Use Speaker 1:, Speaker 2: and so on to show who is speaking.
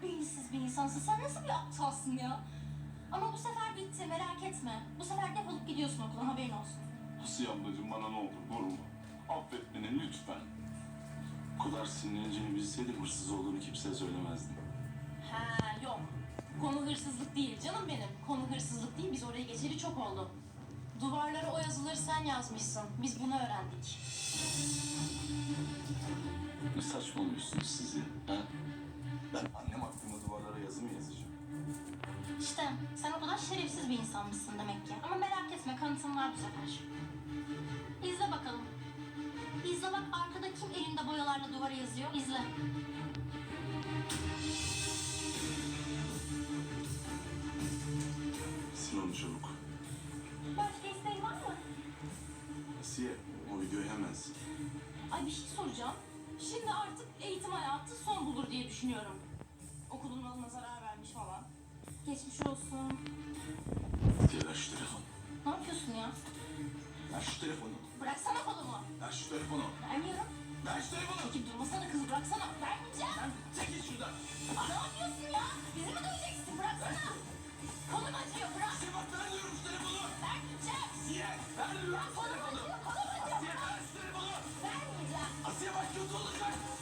Speaker 1: kadar beyinsiz bir insansın. Sen nasıl bir aptalsın ya? Ama bu sefer bitti, merak etme. Bu sefer defolup gidiyorsun okuldan, haberin olsun.
Speaker 2: Asiye ablacığım bana ne olur vurma. Affet beni lütfen. Bu kadar sinirleneceğini bilseydim hırsız olduğunu kimseye söylemezdim.
Speaker 1: Ha yok. Konu hırsızlık değil canım benim. Konu hırsızlık değil, biz oraya geçeli çok oldu. Duvarlara o yazıları sen yazmışsın. Biz bunu öğrendik.
Speaker 2: Ne saçmalıyorsunuz siz ya? Ha? Ben annem hakkında duvarlara yazı mı yazacağım?
Speaker 1: İşte sen o kadar şerefsiz bir insanmışsın demek ki. Ama merak etme, kanıtım var bu sefer. İzle bakalım. İzle bak, arkada kim elinde boyalarla duvara yazıyor? İzle.
Speaker 2: Sil onu çabuk.
Speaker 1: Başka isteğin var mı?
Speaker 2: Asiye o videoyu hemen sil.
Speaker 1: Ay bir şey soracağım. Şimdi artık eğitim hayatı son bulur diye düşünüyorum. Okulun malına zarar vermiş falan. Geçmiş olsun.
Speaker 2: Asiye ver şu telefonu.
Speaker 1: Ne yapıyorsun ya?
Speaker 2: Ver şu telefonu.
Speaker 1: Bıraksana kolumu.
Speaker 2: Ver şu telefonu.
Speaker 1: Vermiyorum.
Speaker 2: Ver şu telefonu.
Speaker 1: Çekip durmasana kız, bıraksana. Vermeyeceğim.
Speaker 2: Çekil şuradan.
Speaker 1: Ne yapıyorsun ya? Bizi mi döveceksin? Bıraksana. Kolum acıyor, bırak.
Speaker 2: Asiye bak ver diyorum şu telefonu.
Speaker 1: Vermeyeceğim.
Speaker 2: Asiye ver diyorum şu
Speaker 1: Kolum
Speaker 2: telefonu.
Speaker 1: acıyor, kolum acıyor.
Speaker 2: Asiye ver şu telefonu.
Speaker 1: Vermeyeceğim.
Speaker 2: Asiye bak kötü olacak.